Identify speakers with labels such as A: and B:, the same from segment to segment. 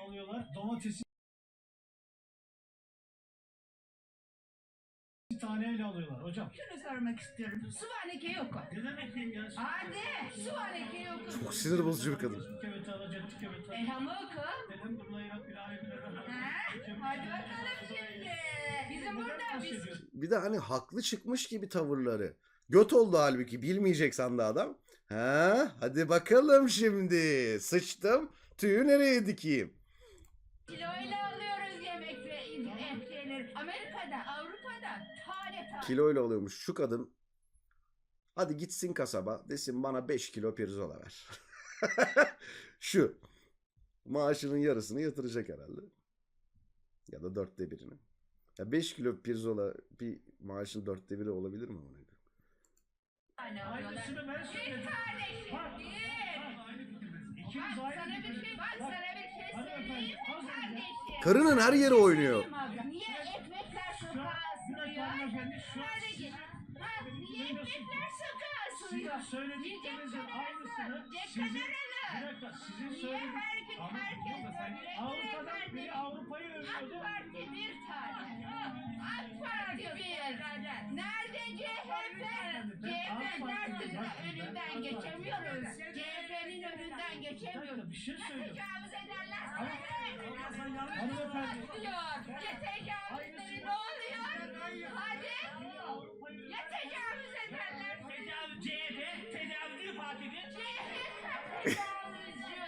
A: alıyorlar. Domatesi taneyle alıyorlar hocam.
B: Şunu sormak istiyorum. Suvaneke yok mu?
A: Ne demek ya?
B: Hadi suvaneke yok mu?
C: Çok sinir bozucu bir kadın.
A: Tükemet alacak, tükemet alacak.
B: Elhamı oku.
A: Dedim bununla ilahi
B: Hadi bakalım şimdi. Bizim burada biz...
C: Bir de hani haklı çıkmış gibi tavırları. Göt oldu halbuki, bilmeyecek sandı adam. Ha, hadi bakalım şimdi. Sıçtım. Tüyü nereye dikeyim?
B: Kiloyla alıyoruz yemek ve şeyleri. Amerika'da, Avrupa'da tane tane.
C: Kiloyla oluyormuş şu kadın. Hadi gitsin kasaba desin bana 5 kilo pirzola ver. Şu. Maaşının yarısını yatıracak herhalde. Ya da 1/4'ünü. Ya 5 kilo pirzola bir maaşın 1/4 olabilir mi?
A: Aynısını ben söyledim.
B: Bir kardeşim,
A: İkimiz
B: Bak
A: aynı
B: sana bir
A: fikirdeyiz.
B: şey, bak sana bir şey söyleyeyim mi kardeşim?
C: Karının her yeri oynuyor.
B: Niye ekmekler
A: Şu
B: sokağa
A: bir dakika
B: sığıyor?
A: hanımefendi şu
B: Kardeşim, bak niye ekmekler sokağa sığıyor?
A: sizin söylediklerinizin aynısını sizin bir dakika sizin
B: Niye
A: söylediğiniz
B: her gün herkes böyle
A: Avrupa'dan biri Avrupa'yı
B: AK
A: övüyordu.
B: Parti bir tane. AK Parti bir. Nerede CHP? CHP'nin önünden geçemiyoruz. CHP'nin önünden geçemiyoruz.
A: Bir şey
B: Ya
A: söylüyorum.
B: tecavüz ederler.
A: Hanımefendi.
B: Ya tecavüzleri ne oluyor? Hadi. Ya tecavüz ederler.
A: CHP tecavüzcü partidir.
B: CHP tecavüzcü.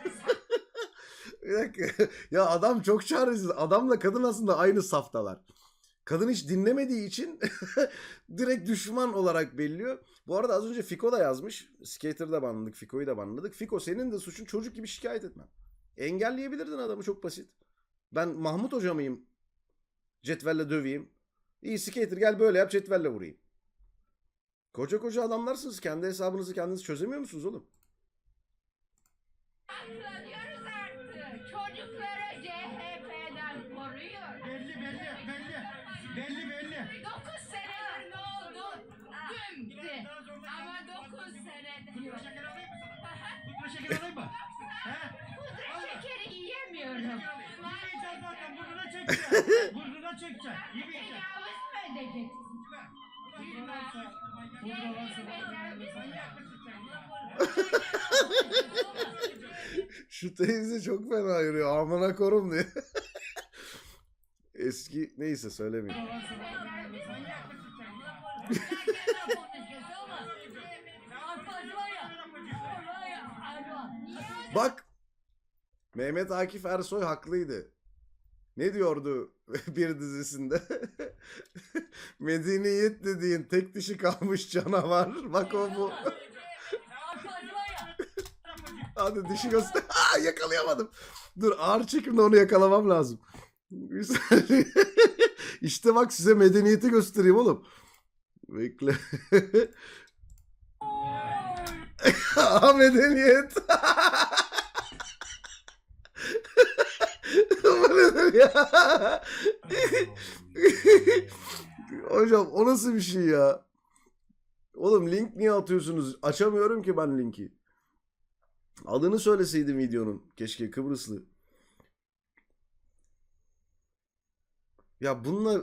C: Bir dakika. Ya adam çok çaresiz. Adamla kadın aslında aynı saftalar. Kadın hiç dinlemediği için direkt düşman olarak belliyor. Bu arada az önce Fiko da yazmış. Skater'ı da banladık, Fiko'yu da banladık. Fiko senin de suçun çocuk gibi şikayet etmem. Engelleyebilirdin adamı, çok basit. Ben Mahmut Hoca mıyım? Cetvelle döveyim. İyi Skater gel böyle yap, cetvelle vurayım. Koca koca adamlarsınız. Kendi hesabınızı kendiniz çözemiyor musunuz oğlum?
B: Diyoruz artık. Çocukları CHP'den koruyor.
A: Belli.
B: 9 senedir ne oldu? Dümdü. Ama 9 senedir.
A: Pudra şeker alayım mı?
B: Pudra şekeri yiyemiyorum.
A: Yemeyeceğim zaten burnuna çekeceğim. Burnuna çekeceğim. Yemeyeceğim.
B: Tecavüz mü edeceksin?
A: Pudra varsa
C: Şu teyze çok fena yürüyor. Amına korum diye. Eski neyse söylemeyeyim. Bak, Mehmet Akif Ersoy haklıydı. Ne diyordu bir dizisinde? Medeniyet dediğin tek dişi kalmış canavar. Bak o bu. Hadi dişi göster. Aa, yakalayamadım. Dur, ağır çekimde onu yakalamam lazım. Bir saniye. İşte bak, size medeniyeti göstereyim oğlum. Bekle. Aa, medeniyet. Bu nedir ya? Hocam o nasıl bir şey ya? Oğlum link niye atıyorsunuz? Açamıyorum ki ben linki. Adını söyleseydim videonun. Keşke, Kıbrıslı. Ya bunlar...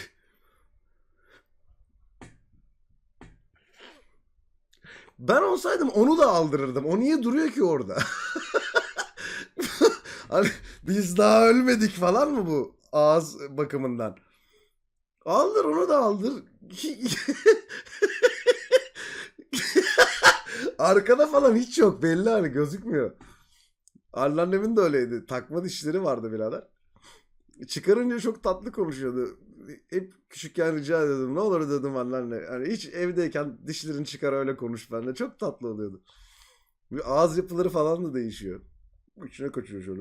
C: Ben olsaydım onu da aldırırdım. O niye duruyor ki orada? Hani biz daha ölmedik falan mı bu ağız bakımından? Aldır, onu da aldır. Arkada falan hiç yok, belli, hani gözükmüyor. Anneannemin de öyleydi. Takma dişleri vardı birader. Çıkarınca çok tatlı konuşuyordu. Hep küçükken rica ediyordum. Ne olur dedim anneanne. Hani hiç evdeyken dişlerini çıkar öyle konuş benimle. Çok tatlı oluyordu. Bir ağız yapıları falan da değişiyor. İçine kaçıyor şöyle.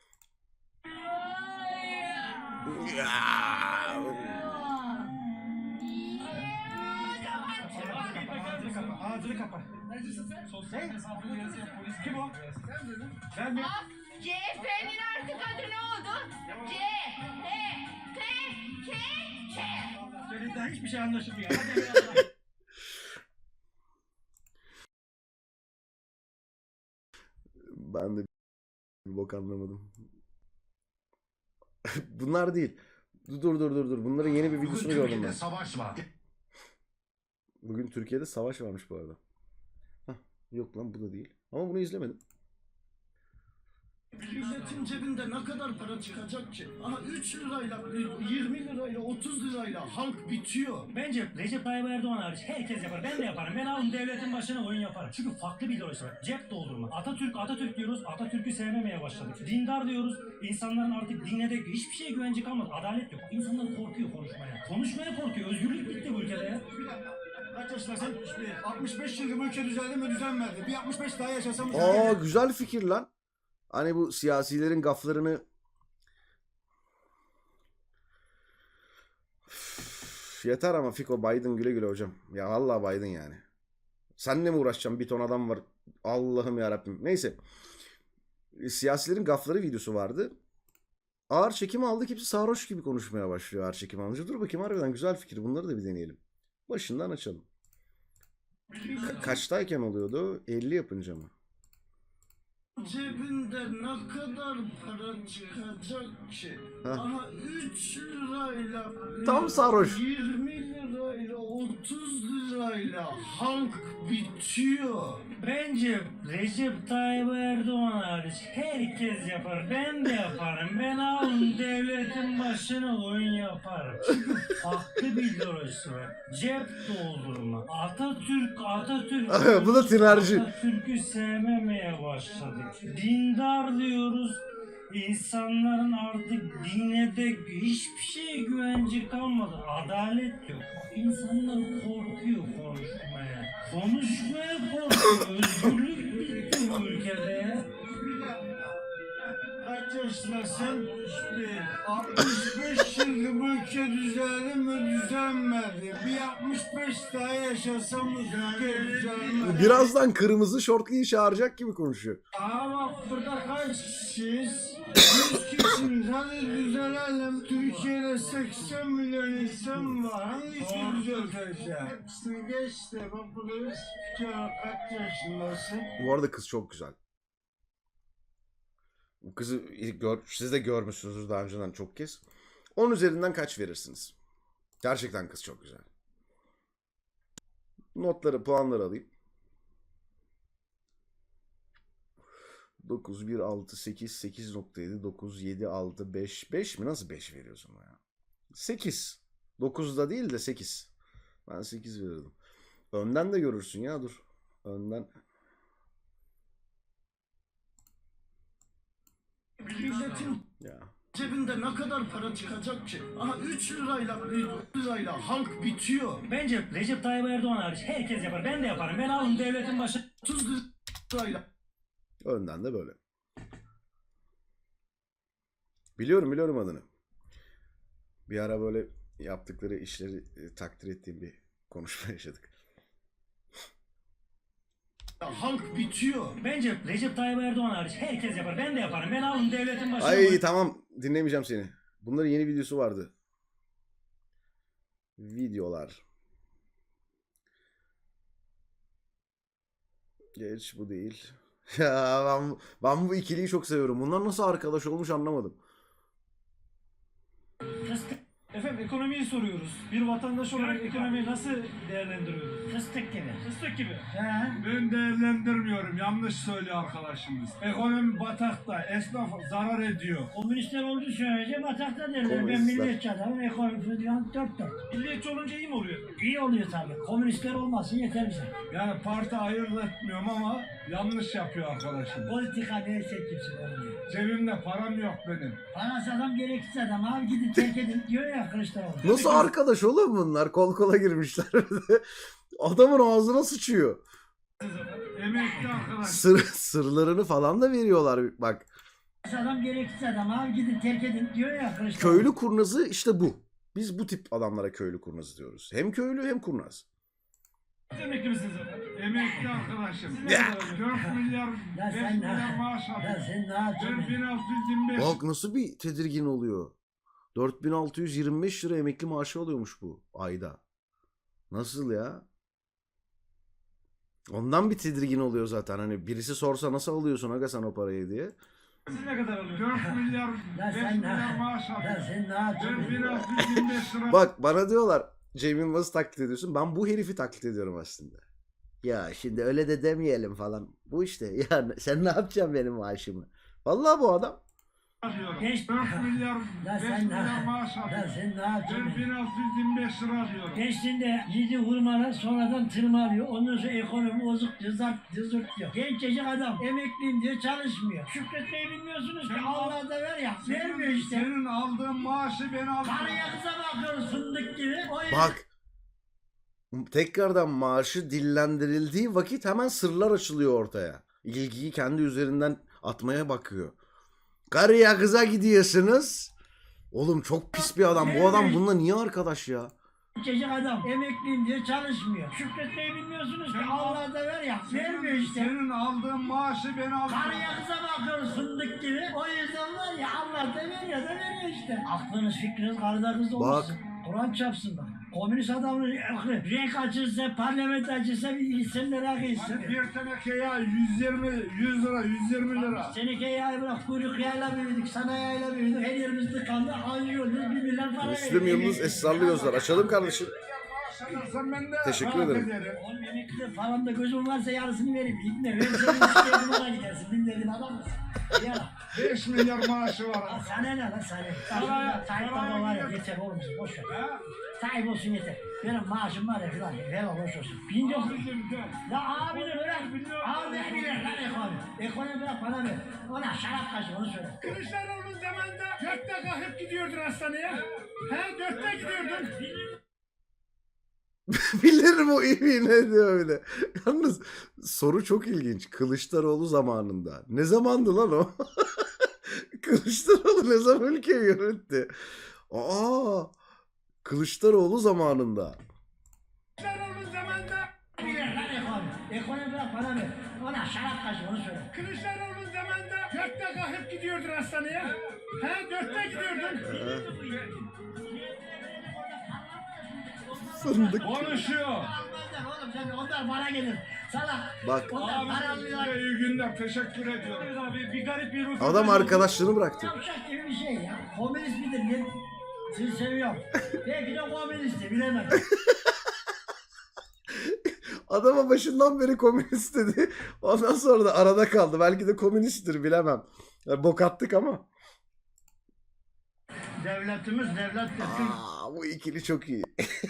A: Ağzını kapa. Necisin sen? Sosyal mesafeli yazıyor. Polis kim o? Sen dedin. Ben mi?
B: CHP'nin artık adı ne oldu? C.
A: Senin daha hiçbir şey anlaşılmıyor. Hadi eyvallah.
C: Ben de bir bok anlamadım. Bunlar değil. Dur. Bunların yeni bir
A: Bugün
C: videosunu gördüm
A: Türkiye'de
C: ben.
A: savaş var.
C: Bugün Türkiye'de savaş varmış bu arada. Hah, yok lan bu da değil. Ama bunu izlemedim.
D: Milletin cebinde ne kadar para çıkacak ki? Aha 3 lirayla, 20 lirayla, 30 lirayla halk bitiyor.
E: Bence Recep Tayyip Erdoğan hariç herkes yapar. Ben de yaparım. Ben alın devletin başına oyun yaparım. Çünkü farklı bir ideoloji var. Cep doldurma. Atatürk diyoruz. Atatürk'ü sevmemeye başladık. Dindar diyoruz. İnsanların artık dine de hiçbir şeye güvence kalmadı. Adalet yok. İnsanlar korkuyor konuşmaya. Konuşmaya korkuyor. Özgürlük bitti bu ülkede ya.
A: Kaç yaşındasın? 65 yıldır bu ülke düzeldi mi düzelmedi. Bir 65 daha yaşasam
C: Aa güzel fikir lan. Hani bu siyasilerin gaflarını Üf, yeter ama Fiko Biden güle güle hocam. Ya vallahi Biden yani. Seninle mi uğraşacağım? Bir ton adam var. Allah'ım ya Rabbim. Neyse. Siyasilerin gafları videosu vardı. Ağır çekim aldık. Hepsi sarhoş gibi konuşmaya başlıyor ağır çekim alınca. Dur bakayım harbiden güzel fikir. Bunları da bir deneyelim. Başından açalım. Kaçtayken oluyordu? 50 yapınca mı?
D: Cebinde ne kadar para çıkacak ki?
C: Heh.
D: Aha 3 lirayla,
C: Tam sarhoş.
D: 20 lirayla, 30 lirayla halk bitiyor.
E: Bence Recep Tayyip Erdoğan hariç herkes yapar. Ben de yaparım. Ben alın devletin başına oyun yaparım. Çünkü farklı bir ideolojisi var. Cep doldurma. Atatürk.
C: Bu da tinerci.
E: Atatürk'ü sevmemeye başladık. Dindar diyoruz. İnsanların artık dine de hiçbir şeye güvence kalmadı. Adalet yok. İnsanlar korkuyor konuşmaya. Konuşmaya korkuyor. Özgürlük bitti bu ülkede ya.
D: Kaç yaşındasın? 65 yıldır bu ülke düzeldi mi düzelmedi. Bir 65 daha yaşasam bu ülke düzelmedi.
C: Birazdan kırmızı şortluyu çağıracak gibi konuşuyor.
D: Ama bak burada kaç kişiyiz? 100 kişiyiz. Hadi düzelelim. Türkiye'de 80 milyon insan var. Hangisini düzelteceğim? Geç de bak burada kaç yaşındasın?
C: Bu arada kız çok güzel. Bu kızı siz de görmüşsünüzdür daha önceden çok kez. 10 üzerinden kaç verirsiniz? Gerçekten kız çok güzel. Notları, puanları alayım. 9, 1, 6, 8, 8.7, 9, 7, 6, 5. 5 mi? Nasıl 5 veriyorsun ya? 8. 9'da değil de 8. Ben 8 verirdim. Önden de görürsün ya dur. Önden.
D: Milletin
C: Ya.
D: cebinde ne kadar para çıkacak ki? Aha 3 lirayla, 4 lirayla halk bitiyor.
E: Bence Recep Tayyip Erdoğan hariç herkes yapar. Ben de yaparım. Ben alın devletin başına
D: 30 lirayla.
C: Önden de böyle. Biliyorum adını. Bir ara böyle yaptıkları işleri takdir ettiğim bir konuşma yaşadık.
D: Halk bitiyor.
E: Bence Recep Tayyip Erdoğan hariç herkes yapar. Ben de yaparım. Ben alın devletin başına
C: Ay tamam dinlemeyeceğim seni. Bunların yeni videosu vardı. Videolar. Geç bu değil. Ya ben bu ikiliyi çok seviyorum. Bunlar nasıl arkadaş olmuş anlamadım.
A: Efendim ekonomiyi soruyoruz. Bir vatandaş olarak ekonomiyi nasıl değerlendiriyoruz?
E: Fıstık gibi.
A: Fıstık gibi.
E: He?
F: Ben değerlendirmiyorum. Yanlış söylüyor arkadaşımız. Ekonomi batakta. Esnaf zarar ediyor.
E: Komünistler olduğu sürece batakta derler. Ben
C: Komünistler.
E: milliyetçi adamım. Ekonomi falan dört dört.
A: Milliyetçi olunca iyi mi oluyor?
E: İyi oluyor tabii. Komünistler olmasın yeter bize.
F: Yani parti ayırt etmiyorum ama yanlış yapıyor arkadaşım.
E: Politika neyse kimse olmuyor.
F: Cebimde param yok benim.
E: Parası adam gereksiz adam. Abi gidin terk edin diyor ya Kılıçdaroğlu.
C: Nasıl arkadaş oğlum bunlar? Kol kola girmişler. Adamın ağzına sıçıyor.
F: Emekli arkadaş.
C: Sırlarını falan da veriyorlar bak.
E: Parası adam gereksiz adam. Abi gidin terk edin diyor ya Kılıçdaroğlu.
C: Köylü kurnazı işte bu. Biz bu tip adamlara köylü kurnazı diyoruz. Hem köylü hem kurnaz.
A: Emekli misiniz efendim?
F: Emekli arkadaşım.
C: Ya.
F: 4 milyar, 5
E: sen ne-
F: milyar maaş
E: Ya
F: alıyor.
E: sen ne yapacaksın?
F: Ben 1625.
C: Bak nasıl bir tedirgin oluyor. 4625 lira emekli maaşı alıyormuş bu ayda. Nasıl ya? Ondan bir tedirgin oluyor zaten. Hani birisi sorsa nasıl alıyorsun aga sen o parayı diye.
A: Siz ne kadar alıyorsunuz?
F: 4 milyar, 5 milyar maaş alıyorum.
D: sen ne yapacaksın?
F: 4625 lira.
C: Bak bana diyorlar Cem Yılmaz'ı taklit ediyorsun. Ben bu herifi taklit ediyorum aslında. Ya şimdi öyle de demeyelim falan. Bu işte. Ya sen ne yapacaksın benim maaşımı? Vallahi bu adam.
F: Alıyorum.
E: Geç.
F: 4 milyar, 5
D: sen
F: milyar maaş
D: Ya
F: alıyorum.
D: sen ne yapacaksın?
F: 4625 lira alıyorum.
E: Gençliğinde yedi hurmalar sonradan tırmalıyor. Ondan sonra ekonomi bozuk cızırt diyor. Gencecik adam emekliyim diyor çalışmıyor. Şükretmeyi bilmiyorsunuz ki Allah da ver ya. Vermiyor işte.
F: Senin aldığın maaşı ben aldım.
E: Karıya kıza bakıyoruz fındık gibi. O yüzden
C: Bak. Tekrardan maaşı dillendirildiği vakit hemen sırlar açılıyor ortaya. İlgiyi kendi üzerinden atmaya bakıyor. Karıya kıza gidiyorsunuz. Oğlum çok pis bir adam. Bu adam bununla niye arkadaş ya?
E: gencecik adam emekliyim diyor çalışmıyor. Şükretmeyi bilmiyorsunuz ki Allah da ver ya. Vermiyor işte.
F: Senin aldığın maaşı ben aldım.
E: Karıya kıza bakıyoruz fındık gibi. O yüzden var ya Allah da veriyor da veriyor işte. Aklınız fikriniz karıda kızda olmasın. Kur'an çapsın bak. Komünist adamın renk açırsa, parlament açırsa bir isimler akılsın.
F: Bir teneke yağ 100 lira, 120 lira.
E: Seneke yağı bırak, kuyruk yağıyla büyüdük, sana yağıyla büyüdük. Her yerimiz tıkandı, alıyoruz, bir milyar para
C: Müslüm Yıldız Esrarlı Gözler. Açalım kardeşim.
F: Sen ben de
C: Teşekkür
F: rahat
C: ederim.
E: Oğlum emekli falan da gözüm varsa yarısını vereyim. İbne, verirsen bir numara gidersin. Bin dediğin adam mısın? Yala.
F: 5 milyar maaşı var.
E: Lan sana ne lan sana?
F: Saraya-
E: Sahip
F: saraya
E: baba var ya,
F: gidiyor.
E: yeter oğlum bize, boş ver.
F: Ha?
E: Sahip olsun yeter. Benim maaşım var ya filan. Helal hoş olsun. Bin yok.
F: Abicim gel.
E: La abini bırak. Abi bilir lan ekonomi. Ekonomi bırak bana ver. Ona şarap kaşı onu söyle.
A: Kılıçdaroğlu'nun zamanında 4'te kalkıp gidiyordun hastaneye. He 4'te gidiyordun.
C: Bilirim o iyi ne diyor öyle. Yalnız soru çok ilginç. Kılıçdaroğlu zamanında. Ne zamandı lan o? Kılıçdaroğlu ne zaman ülkeyi yönetti? Aa, Kılıçdaroğlu zamanında.
A: Kılıçdaroğlu'nun zamanında
E: Bilir lan ekonomi. Ekonomi bırak bana ver. Ona şarap kaşı onu söyle.
A: Kılıçdaroğlu'nun zamanında 4'te kalkıp gidiyordun hastaneye. He 4'te gidiyordun.
C: Fındık.
F: Konuşuyor.
E: Almazlar oğlum sen onlar bana gelir. Salak.
C: Bak
E: Onlar para
F: Abi
E: alıyorlar.
F: size iyi günler. Teşekkür ediyorum.
A: Evet abi bir garip bir ruh.
C: adam arkadaşlığını bıraktı.
E: Yavşak gibi bir şey ya. Komünist midir? Ben sizi seviyorum. Belki de komünistti bilemem.
C: Adama başından beri komünist dedi. Ondan sonra da arada kaldı. Belki de komünisttir bilemem. Yani bok attık ama.
E: Devletimiz devlettir.
C: Bu ikili çok iyi.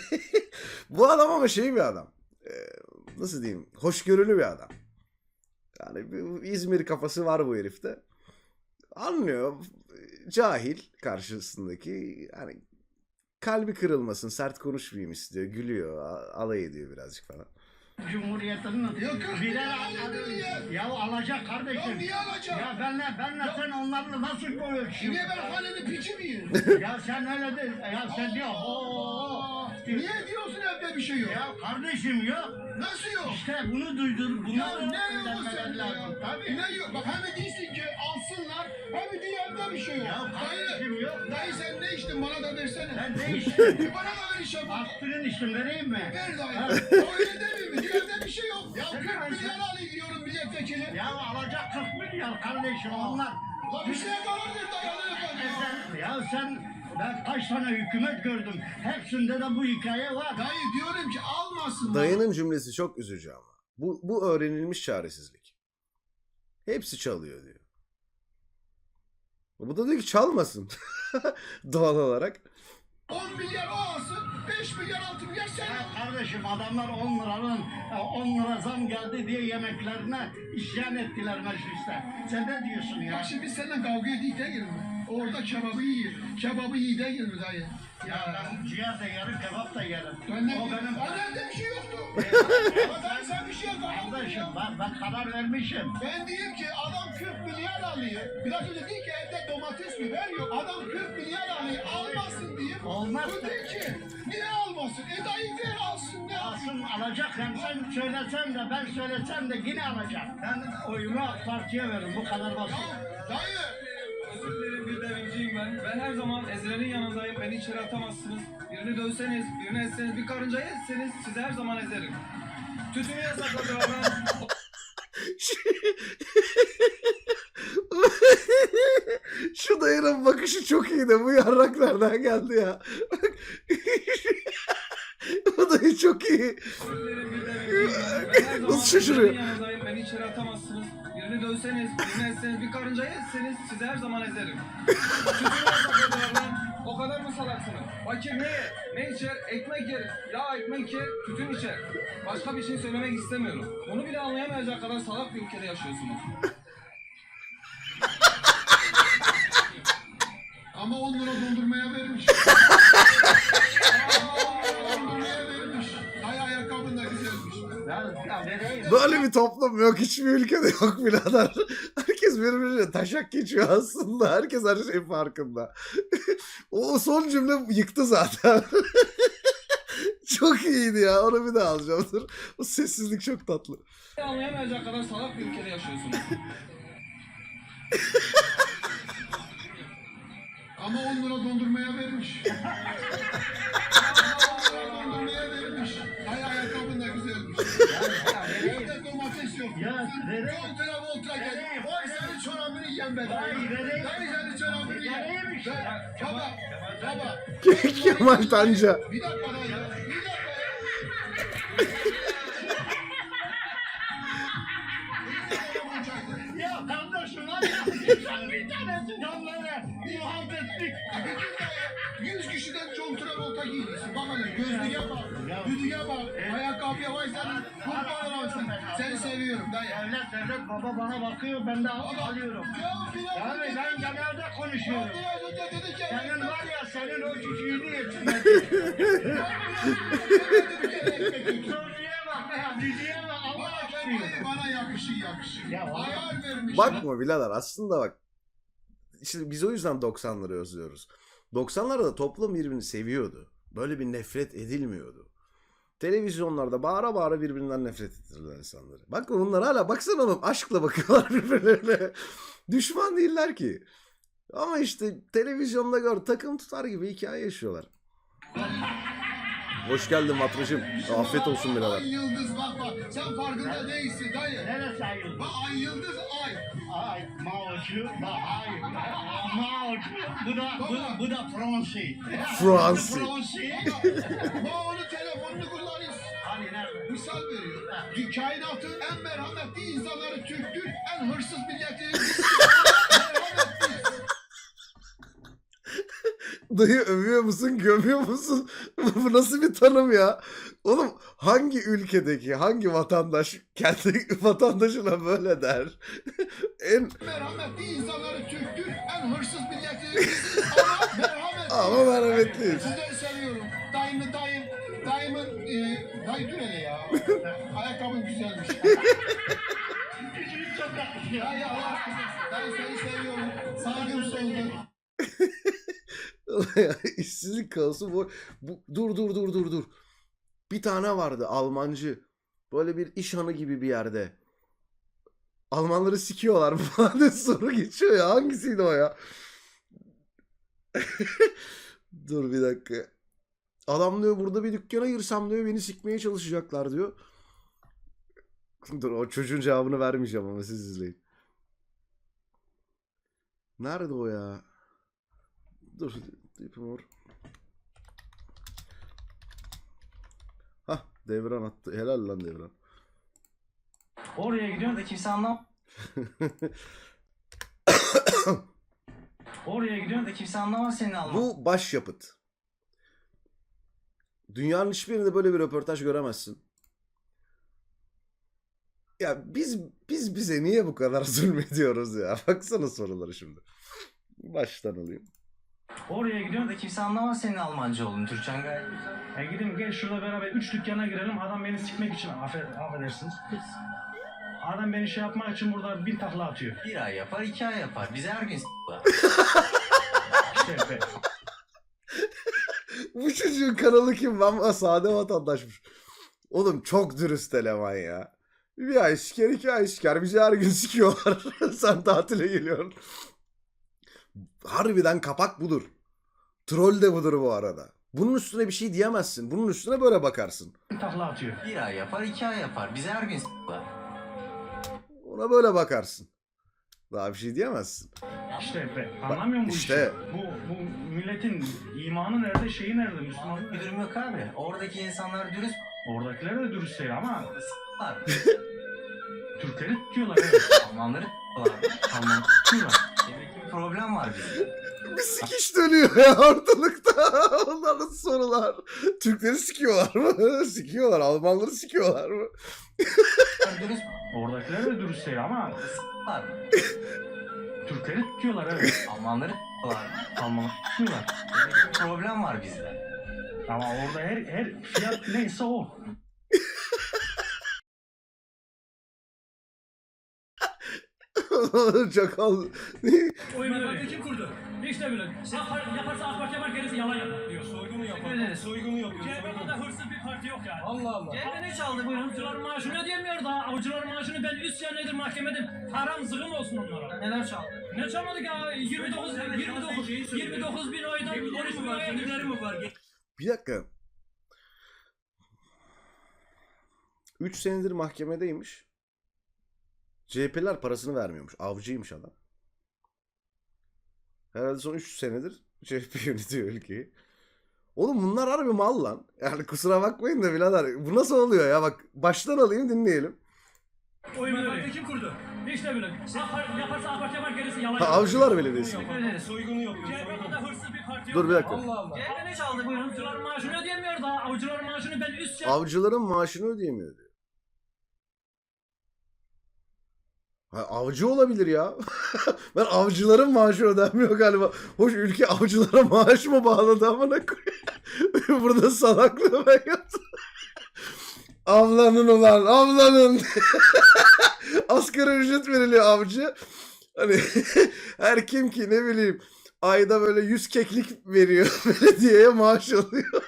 C: Bu adam ama şey bir adam. Nasıl diyeyim? Hoşgörülü bir adam. Yani bir İzmir kafası var bu herifte. Anlıyor. Cahil karşısındaki. Yani kalbi kırılmasın, sert konuşmayayım istiyor. Gülüyor, alay ediyor birazcık falan.
E: Cumhuriyet'in birer ya alacak kardeşim.
G: Ya niye alacak?
E: Ya benle sen onlarla nasıl koyuyorsun?
G: Niye ben hanenin piçi miyim?
E: Ya sen öyle de ya sen diyor.
G: Niye diyorsun evde bir şey yok?
E: Ya kardeşim yok.
G: Nasıl yok?
E: İşte bunu duydur. Bunu
G: Ya ne yok sende ya?
E: Tabii.
G: Ne yok? Bak hem değilsin ki alsınlar hem de evde bir şey yok.
E: Ya kardeşim yok.
G: Dayı sen ne içtin bana da versene.
E: Ben ne içtim?
G: Bana da ver işe bak.
E: Aspirin içtim vereyim mi?
G: Ver dayı. Öyle demeyeyim mi? Evde bir şey yok. Ya 40 milyar alayım diyorum milletvekili.
E: Ya alacak 40 milyar kardeşim onlar.
G: La bir şeye karar ver dayı.
E: Sen ben kaç tane hükümet gördüm. Hepsinde de bu hikaye var.
G: Dayı diyorum ki almasınlar.
C: Dayının cümlesi çok üzücü ama. Bu öğrenilmiş çaresizlik. Hepsi çalıyor diyor. Bu da diyor ki çalmasın. Doğal olarak.
G: 10 milyar o alsın, 5 milyar 6 milyar sen
E: Ya
G: al.
E: kardeşim adamlar 10 lira zam geldi diye yemeklerine isyan ettiler mecliste. Sen ne diyorsun ya?
G: Bak şimdi biz seninle kavga edeyim değil mi? Orada kebabı yiyin. Kebabı yiyin değil mi dayı?
E: Ya ben ciğer de yerim, kebap da yerim.
G: Ben ne
E: O benim...
G: evde bir şey yoktu. Ama dayı sen bir şey yapmadın.
E: Kardeşim ben karar vermişim.
G: Ben diyeyim ki adam 40 milyar alıyor. Biraz önce değil ki evde domates mi ver yok. Adam 40 milyar alıyor almasın diyeyim.
E: Olmaz.
G: Bu diyor ki niye almasın? Dayı ver alsın ne alsın?
E: Alsın alacak hem sen söylesen de ben söylesem de yine alacak. Ben oyumu AK Parti'ye veririm bu kadar basit.
G: Dayı.
H: Özür dilerim bir devrimciyim ben. Ben her zaman ezilenin yanındayım. Beni içeri atamazsınız. Birini dövseniz, birini etseniz, bir karıncayı etseniz sizi her zaman ezerim. Tütünü yasakladılar ben.
C: Şu çok iyi de bu yarrak nereden geldi ya? Bu da çok iyi. Nasıl şaşırıyor?
H: Yanındayım, beni içeri atamazsınız. Birini dövseniz, birini etseniz, bir karıncayı etseniz sizi her zaman ezerim. O kadar mı salaksınız? Fakir ne yer? Ne içer? Ekmek yer. Ya ekmek yer, tütün içer. Başka bir şey söylemek istemiyorum. Onu bile anlayamayacak kadar salak bir ülkede yaşıyorsunuz.
G: Ama 10 lira dondurmaya vermiş. Dondurmaya vermiş. Ay ayakkabın da güzelmiş.
C: Böyle bir toplum yok. Hiçbir ülkede yok birader. Herkes birbirine taşak geçiyor aslında. Herkes her şeyin farkında. O son cümle yıktı zaten. Çok iyiydi ya. Onu bir daha alacağım. Dur. O sessizlik çok tatlı.
H: Anlayamayacak kadar salak bir ülkede yaşıyorsunuz.
G: Ama 10 lira dondurmaya vermiş. 10 lira dondurmaya vermiş. Ay ayakkabın da güzelmiş. Bir de domates yok. John Travolta geldi. Vay senin çorabını yiyen be. Vay senin çorabını yiyen. Baba.
C: Kemal Tanca.
G: Bir dakika dayı. Bir dakika ya.
D: Ya kardeşim var ya. Sen bir tanesi onlara muhabbetlik.
G: 100 kişiden John Travolta giymişsin. Bak hele gözlüğe bak. Düdüğe bak. Ayakkabıya vay senin. Kurban olasın. Seni seviyorum dayı.
D: Devlet baba bana bakıyor ben de alıyorum.
G: Ya biraz
D: Yani
G: önce
D: ben genelde konuşuyorum.
G: biraz önce dedi ki
D: Senin var ya senin o cücüğünü yesin. Çocuğa bak ya cücüğe bak Allah aşkına.
G: bana yakışır.
D: Ya var.
G: Hayal vermiş.
C: Bakma birader aslında bak. İşte biz o yüzden 90'ları özlüyoruz. 90'larda toplum birbirini seviyordu. Böyle bir nefret edilmiyordu. Televizyonlarda bağıra bağıra birbirinden nefret ettirirler insanları. Bak bunlar hala baksana oğlum aşkla bakıyorlar birbirlerine. Düşman değiller ki. Ama işte televizyonda gör takım tutar gibi hikaye yaşıyorlar. Hoş geldin Matracığım. Afiyet olsun birader.
G: Ay yıldız bak. Sen farkında değilsin dayı.
D: Neresi ayıldı?
G: Bak ay yıldız ay.
D: Ay Mao'cu da ay. Mao'cu bu da Fransi.
C: Fransi.
D: Fransi.
G: Onun telefonunu kullanırız.
D: Hani nerede?
G: Misal veriyor. Kainatın en merhametli insanları Türktür. En hırsız milleti.
C: Dayı övüyor musun, gömüyor musun? Bu nasıl bir tanım ya? Oğlum hangi ülkedeki, hangi vatandaş kendi vatandaşına böyle der? En
G: Merhametli insanları Türktür. En hırsız milleti. Ama merhametli.
C: ama merhametliyiz.
G: Sizleri seviyorum. Dayımın dayı dur hele ya. Ayakkabın güzelmiş.
D: Cücüğü çok tatlı ya.
G: Dayı Allah aşkına. Dayı seni seviyorum. Saygım soldu.
C: İşsizlik kaosu bu. Dur. Bir tane vardı Almancı. Böyle bir iş hanı gibi bir yerde. Almanları sikiyorlar falan diye soru geçiyor ya. Hangisiydi o ya? Dur bir dakika. Adam diyor burada bir dükkana girsem diyor beni sikmeye çalışacaklar diyor. Dur o çocuğun cevabını vermeyeceğim ama siz izleyin. Nerede o ya? Dur. Dipimor. Hah Devran attı. Helal lan Devran.
E: Oraya gidiyorsun da kimse Oraya gidiyorsun da kimse anlamaz senin Alman.
C: Bu başyapıt. Dünyanın hiçbirinde böyle bir röportaj göremezsin. Ya biz bize niye bu kadar zulmediyoruz ya? Baksana soruları şimdi. Baştan alayım.
E: Oraya gidiyorsun da kimse anlamaz senin Almancı olduğunu. Türkçen gayet güzel. Gidin gel şurada beraber 3 dükkana girelim. Adam beni sikmek için affedersiniz. Adam beni şey yapmak için burada 1000 takla atıyor.
I: 1 ay yapar, 2 ay yapar. Bize her gün s**lar.
E: İşte
C: Bu çocuğun kanalı kim? Ama sade vatandaşmış. Oğlum çok dürüst eleman ya. Bir ay siker, 2 ay siker. Bizi her gün sikiyorlar. Sen tatile geliyorsun. Harbiden kapak budur. Troll de budur bu arada. Bunun üstüne bir şey diyemezsin. Bunun üstüne böyle bakarsın.
E: takla atıyor.
I: 1 ay yapar, 2 ay yapar. Bize her gün s**lar.
C: Ona böyle bakarsın. Daha bir şey diyemezsin.
E: İşte anlamıyor musun
C: işte.
E: bu işi? Bu milletin imanı nerede, şeyi nerede, Müslümanlık
I: Bir
E: nerede?
I: durum yok abi. Oradaki insanlar dürüst
E: Oradakiler de dürüst değil ama
I: var.
E: Türkleri tutuyorlar. Evet.
I: Almanları var.
E: Almanı tutuyorlar.
I: Demek ki bir problem var bizde.
C: Bir sikiş dönüyor ya ortalıkta. Onların sorular. Türkleri sikiyorlar mı? Sikiyorlar. Almanları sikiyorlar mı?
I: Dürüst
E: Oradakiler de dürüst değil ama
I: var.
E: Türkleri tutuyorlar. Evet.
I: Almanları var.
E: Almanı tutuyorlar.
I: Demek ki bir problem var bizde.
E: Ama orada her fiyat neyse o.
C: Çakal.
E: Oyunu kim kurdu? İşte böyle. Yaparsa AK Parti yapar, gerisi yalan yapar diyor.
A: Soygunu yapıyor. Soygunu yapıyor.
E: CHP'de hırsız bir parti yok yani.
A: Allah Allah.
E: CHP ne çaldı buyurun? Avcıların maaşını ödeyemiyor da. Avcıların maaşını ben 3 senedir mahkemedim. Haram zıgım olsun onlara. Neler çaldı? Ne çalmadık ya? 29 bin oydan 13 bin oya giderim mi var?
C: Bir dakika. 3 senedir mahkemedeymiş. CHP'ler parasını vermiyormuş. Avcıymış adam. Herhalde son 3 senedir CHP yönetiyor ülkeyi. Oğlum bunlar harbi mal lan. Yani kusura bakmayın da birader. Bu nasıl oluyor ya? Bak baştan alayım dinleyelim.
E: Oyunu kim kurdu? İşte böyle. Yaparsa AK Parti yapar, gerisi yalan
C: Ha,
E: yapar.
C: Avcılar Belediyesi.
A: Soygunu yapıyor.
E: CHP'de hırsız bir parti yok.
C: Dur bir dakika.
A: Allah Allah.
E: CHP ne çaldı buyurun? Avcıların maaşını ödeyemiyor da. Avcıların maaşını ben 3 senedir
C: Avcıların maaşını ödeyemiyor diyor. Ha, avcı olabilir ya. Ben avcıların maaşı ödenmiyor galiba. Hoş ülke avcılara maaş mı bağladı amına koyayım. Burada salaklığı ben yaptım. Avlanın ulan avlanın. Asgari ücret veriliyor avcı. Hani her kim ki ne bileyim ayda böyle 100 keklik veriyor belediyeye maaş alıyor.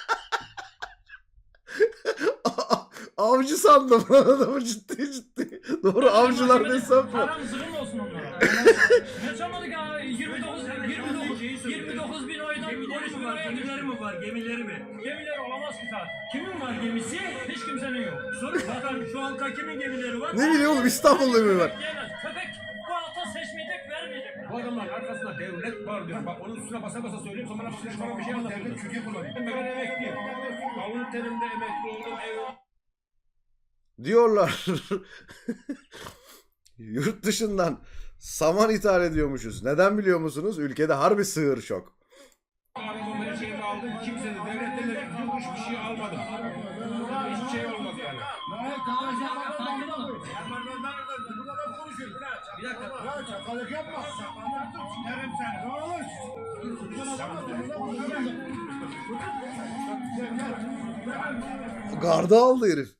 C: Avcı sandım lan adamı ciddi ciddi. Doğru avcılar ne hesap var?
E: haram zıgım olsun onlara. Ne çalmadık ya? 29 bin oydan 13 bin oya giderim mi var? Gemileri mi? Gemileri olamaz ki zaten. Kimin var gemisi? Hiç kimsenin yok. Sorun bakalım şu halka kimin gemileri var?
C: Ne bileyim oğlum İstanbul'da mı var?
E: Yemez. Köpek bu halka seçmeyecek, vermeyecek.
A: Bu adamların arkasında devlet var diyor. Bak onun üstüne basa basa söyleyeyim sonra bana bir şey anlatıyor. Devlet Türkiye kullanıyor. Ben emekliyim. Alın terimde emekli oldum.
C: Diyorlar. Yurt dışından saman ithal ediyormuşuz. Neden biliyor musunuz? Ülkede harbi sığır şok.
A: Arabamı her şeyimi aldım. Kimse de devletten de bir kuruş bir şey almadım. Hiçbir şey olmaz yani.
G: Bir dakika. Ya çakalık yapma. Derim seni.
C: Garda aldı herif.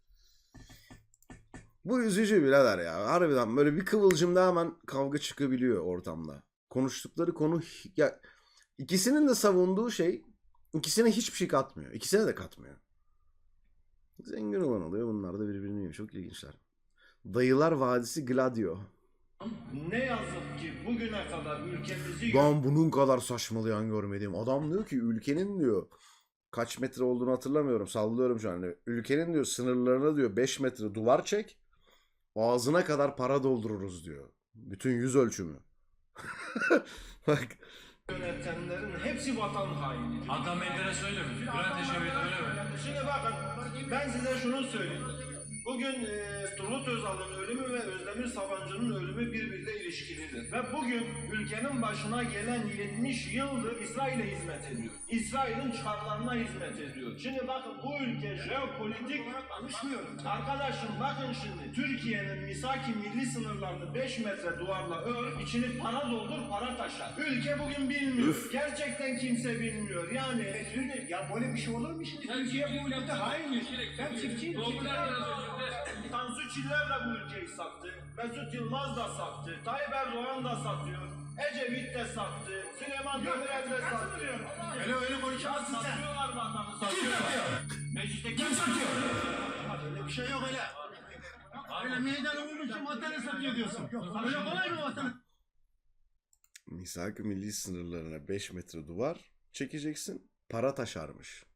C: Bu üzücü birader ya. Harbiden böyle bir kıvılcımda hemen kavga çıkabiliyor ortamda. Konuştukları konu ya ikisinin de savunduğu şey ikisine hiçbir şey katmıyor. İkisine de katmıyor. Zengin olan oluyor. Bunlar da birbirini yiyor. Çok ilginçler. Dayılar Vadisi Gladio.
G: Ne yazık ki bugüne kadar ülkemizi
C: Ben bunun kadar saçmalayan görmedim. Adam diyor ki ülkenin diyor kaç metre olduğunu hatırlamıyorum. Sallıyorum şu an. Ülkenin diyor sınırlarına diyor 5 metre duvar çek. Ağzına kadar para doldururuz diyor. Bütün yüz ölçümü. Bak.
G: yönetenlerin hepsi vatan haini.
E: Hakan Menderes öyle mi? Bülent Ecevit öyle mi?
G: Şimdi bakın ben size şunu söyleyeyim. Bugün Turgut Özal'ın ölümü ve Özdemir Sabancı'nın ölümü birbiriyle ilişkilidir. Ve bugün ülkenin başına gelen 70 yıldır İsrail'e hizmet ediyor. İsrail'in çıkarlarına hizmet ediyor. Şimdi bakın bu ülke jeopolitik konuşmuyor. Arkadaşım bakın şimdi Türkiye'nin misaki milli sınırlarını 5 metre duvarla ör, içini para doldur, para taşar. Ülke bugün bilmiyor. Gerçekten kimse bilmiyor. Yani şimdi ya böyle bir şey olur mu şimdi? Türkiye bu ülkede hain. Ben çiftçiyim. Tansu Çiller de bu ülkeyi sattı. Mesut Yılmaz da sattı. Tayyip Erdoğan da satıyor. Ecevit de sattı. Süleyman Demirel de sattı. Öyle konuşamazsın sen. Satıyorlar vatanı satıyorlar. Mecliste kim satıyor? Öyle bir şey yok öyle. Öyle meydan olmuşsun vatanı satıyor diyorsun. Öyle kolay mı vatanı?
C: Misak-ı milli sınırlarına 5 metre duvar çekeceksin. Para taşarmış.